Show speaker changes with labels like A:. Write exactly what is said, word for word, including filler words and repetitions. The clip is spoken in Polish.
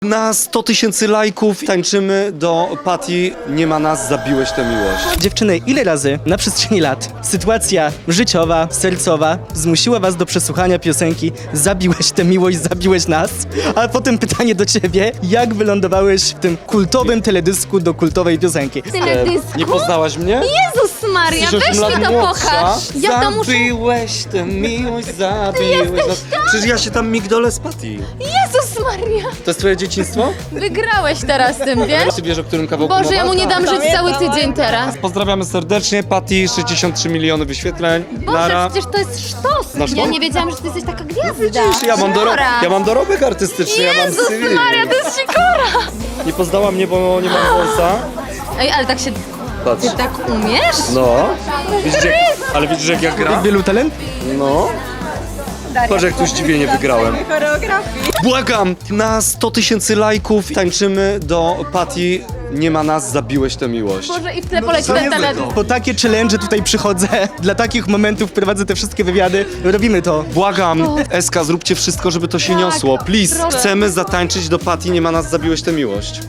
A: Na sto tysięcy lajków tańczymy do Patty, nie ma nas, zabiłeś tę miłość.
B: Dziewczyny, ile razy na przestrzeni lat sytuacja życiowa, sercowa zmusiła was do przesłuchania piosenki Zabiłeś tę miłość, zabiłeś nas? A potem pytanie do ciebie, jak wylądowałeś w tym kultowym teledysku do kultowej piosenki?
C: Teledysku?
A: Nie poznałaś mnie?
C: Jezus Maria,
A: Jesteś
C: weź
A: osiem
C: mi
A: lat
C: to
A: młodsza.
C: pokaż. Ja to muszę...
A: Zabiłeś tę miłość, zabiłeś nas. Przecież ja się tam migdolę z Patty.
C: Jezus Maria!
A: To jest twoje dzieciństwo?
C: Wygrałeś teraz tym, wiesz?
A: Ty wiesz, o którym kawałku
C: Boże,
A: mowa?
C: ja mu nie dam żyć cały tydzień teraz.
A: Pozdrawiamy serdecznie, Patty, sześćdziesiąt trzy miliony wyświetleń.
C: Boże,
A: Nara.
C: przecież to jest sztos.
A: Znasz to?
C: Ja nie wiedziałam, że ty jesteś taka gwiazda.
A: Widzisz, ja mam, doro ja mam dorobek artystyczny, ja mam
C: Jezus
A: cywil.
C: Maria, to jest sikora!
A: Nie poznała mnie, bo nie mam wąsa.
C: Ej, ale tak się...
A: Patrz.
C: Ty tak umiesz?
A: No. Widzisz, jak, ale widzisz, jak ja gram?
B: Wielu talent?
A: No. Patrz, jak tu zdziwienie wygrałem. Błagam, na sto tysięcy lajków tańczymy do Patty, nie ma nas, zabiłeś tę miłość.
C: Boże, i w tle poleci ten teledysk.
B: Po takie challenge tutaj przychodzę, dla takich momentów prowadzę te wszystkie wywiady, robimy to.
A: Błagam, Eska, zróbcie wszystko, żeby to się
C: Tak,
A: niosło. Please,
C: proszę.
A: chcemy zatańczyć do Patty, nie ma nas, zabiłeś tę miłość.